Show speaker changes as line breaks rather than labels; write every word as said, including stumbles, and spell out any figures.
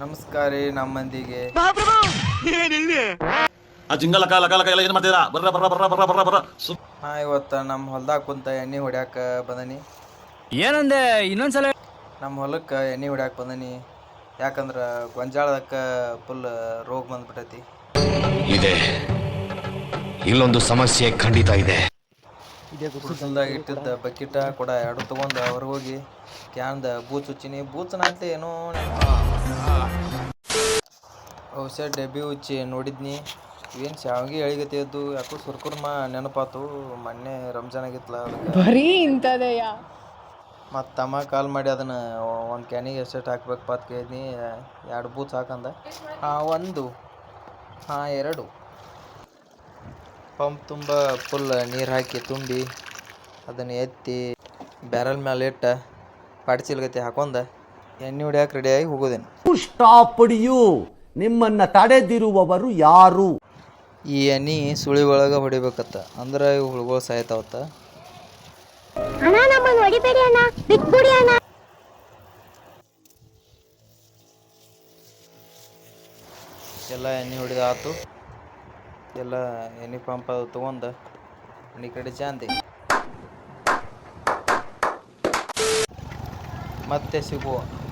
ನಮಸ್ಕಾರ ರೀ ನಮ್ಮ ಮಂದಿಗೆ.
ಆ ಜಿಂಗಲ ಕಾಲ ಕಾಲ ಎಲ್ಲ ಏನು ಮಾಡ್ತೀರಾ? ಬರ್ರ ಬರ್ರ ಬರ್ರ ಬರ್ರ ಬರ್ರ ಬರ್ರ
ಹಾ ಇವತ್ತು ನಮ್ಮ ಹೊಲ್ದಾಗ ಕುಂತ ಎಣ್ಣೆ ಹೊಡ್ಯಾಕ ಬಂದನಿ.
ಏನಂದೆ ಇನ್ನೊಂದ್ಸಲ?
ನಮ್ಮ ಹೊಲಕ್ಕೆ ಎಣ್ಣೆ ಹೊಡ್ಯಾಕ ಬಂದನಿ. ಯಾಕಂದ್ರೆ ಗೊಂಜಾಳದಕ್ಕೆ ಫುಲ್ ರೋಗ ಬಂದ್ಬಿಟ್ಟೈತಿ.
ಇದೆ, ಇಲ್ಲೊಂದು ಸಮಸ್ಯೆ ಖಂಡಿತ ಇದೆ.
ಕುಡ್ಸಲ್ದಾಗ ಇಟ್ಟಿದ್ದ ಬಕೆಟ ಕೂಡ ಎರಡು ತೊಗೊಂಡು ಹೊರಗೆ ಹೋಗಿ ಕ್ಯಾನ್ದ ಬೂಚ್ ಹುಚ್ಚಿನಿ. ಬೂಚನಾಗ್ಲಿ ಏನೋ ಔಷಧ ಡಬ್ಬಿ ಹುಚ್ಚಿ ನೋಡಿದ್ನಿ. ಏನು ಶಾವಿಗೆ ಎಳಿಗತ್ತಿದ್ದು ಯಾಕೋ ಸುರ್ಕುರ್ಮ ನೆನಪಾತು. ಮೊನ್ನೆ ರಂಜಾನ್ ಆಗಿತ್ತಲ್ಲ
ಬರೀ ಇಂಥದೆಯ.
ಮತ್ತು ತಮ್ಮ ಕಾಲ್ ಮಾಡಿ ಅದನ್ನು ಒಂದು ಕ್ಯಾನಿಗೆ ಎಷ್ಟೆಷ್ಟು ಹಾಕ್ಬೇಕಪ್ಪ ಅಂತ ಕೇಳಿದ್ನಿ. ಎರಡು ಬೂಚ್ ಹಾಕಂದ. ಹಾಂ ಒಂದು, ಹಾಂ ಎರಡು. ಪಂಪ್ ತುಂಬ ಫುಲ್ ನೀರು ಹಾಕಿ ತುಂಬಿ ಅದನ್ನು ಎತ್ತಿ ಬ್ಯಾರಲ್ ಮೇಲೆ ಇಟ್ಟು ಪಾಡ್ಚಿಲ್ಗತಿ ಹಾಕೊಂಡ ಎಣ್ಣೆ ಹೊಡ್ಯಾಕೆ ರೆಡಿಯಾಗಿ ಹೋಗೋದೇನು.
ಸ್ಟಾಪ್ ಯು, ನಿಮ್ಮನ್ನ ತಡೆದಿರುವವರು ಯಾರು?
ಈ ಎಣ್ಣೆ ಸುಳಿ ಒಳಗೆ ಹೊಡಿಬೇಕತ್ತ, ಅಂದ್ರೆ ಇವು ಹುಳುಗಳು ಸಾಯ್ತಾವತ್ತ. ಎಲ್ಲ ಎಣ್ಣೆ ಹೊಡಿದ ಆತು. ಎಲ್ಲ ಎಣ್ಣೆ ಪಂಪ್ ಅದು ತೊಗೊಂಡು ಮನೆ ಕಡೆ ಜಾಂದಿ ಮತ್ತೆ ಸಿಗುವ.